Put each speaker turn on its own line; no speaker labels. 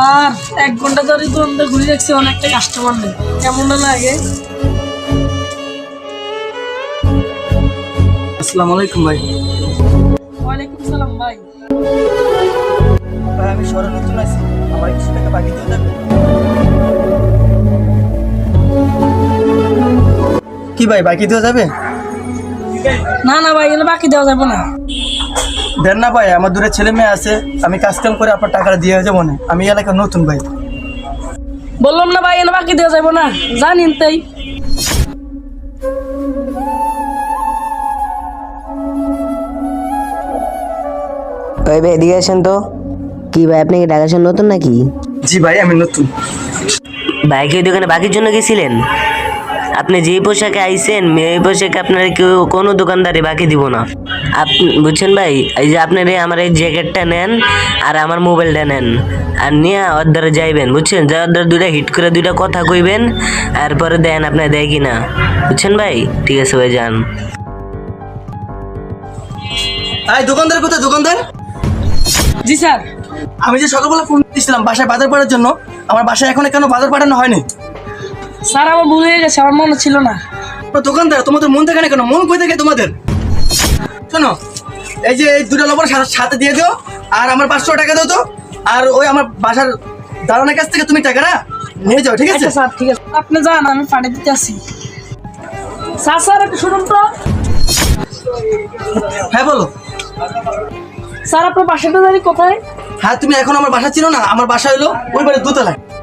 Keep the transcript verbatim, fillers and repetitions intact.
শালার এক ঘন্টা ধরে তো আমরা ঘুরে রাখছি, অনেকটা কাস্টমার নেই, কেমন লাগে।
আসসালামু আলাইকুম ভাই।
ওয়ালাইকুম সালাম ভাই।
ভাই আমি শহরে নতুন আছি, আমার কিছু টাকা বাকি দিয়ে দেবেন? কি ভাই বাকি দেওয়া যাবে?
না না ভাই, এগুলো বাকি দেওয়া যাবে না।
দেন না ভাই, আমার দূরে ছেলে মেয়ে আছে, আমি কাজ কাম করে আপনার টাকাটা দিয়ে যাবো না, আমি এলাকার নতুন ভাই।
বললাম না ভাই, এগুলো বাকি দেওয়া যাবে না, জানিন তাই।
ওই ভাই এদিকে আসেন তো। কি ভাই আপনি কি ঢাকা শহর নতুন নাকি?
জি ভাই আমি নতুন।
ভাই কি ওই দোকানে বাকির জন্য গেছিলেন? আপনি যেই পোশাকে আইছেন এই পোশাকে আপনার কেউ কোনো দোকানদারে বাকি দিব না। আপনি বুঝছেন ভাই, এই যে আপনার এই আমার এই জ্যাকেটটা নেন আর আমার মোবাইলটা নেন আর নিয়ে অর্ধারে যাইবেন, বুঝছেন? যা অর্ধারে দুইটা হিট করে দুইটা কথা কইবেন আর পরে দেন আপনার দেয় কি না, বুঝছেন ভাই? ঠিক আছে ভাই, যান।
এই দোকানদার কোথায় দোকানদার?
জি স্যার।
আমি যে সকালবেলা ফোন দিয়েছিলাম বাসায় বাজার পাঠানোর জন্য, আমার বাসায় এখনো কেন বাজার পাঠানো হয়নি?
স্যার আমার ভুল হয়ে গেছে, আমার মনে ছিল না।
দোকানদার তোমাদের মন থাকে না কেন? মন কই থাকে তোমাদের? শোনো, এই যে এই দুটো লবণ সাথে দিয়ে দিও আর আমার পাঁচশো টাকা দাও তো, আর ওই আমার বাসার দালানের কাছ থেকে তুমি টাকাটা নিয়ে যাও, ঠিক আছে?
আচ্ছা স্যার ঠিক আছে, আপনি যান, আমি পাঠিয়ে দিতে আসি। স্যার স্যার একটু শুনুন তো।
হ্যাঁ বলো।
স্যার আপনার বাসাটা জানি কোথায়?
হ্যাঁ তুমি এখন আমার বাসা ছিল না, আমার বাসা হলো ওই বাড়ির দোতলায়।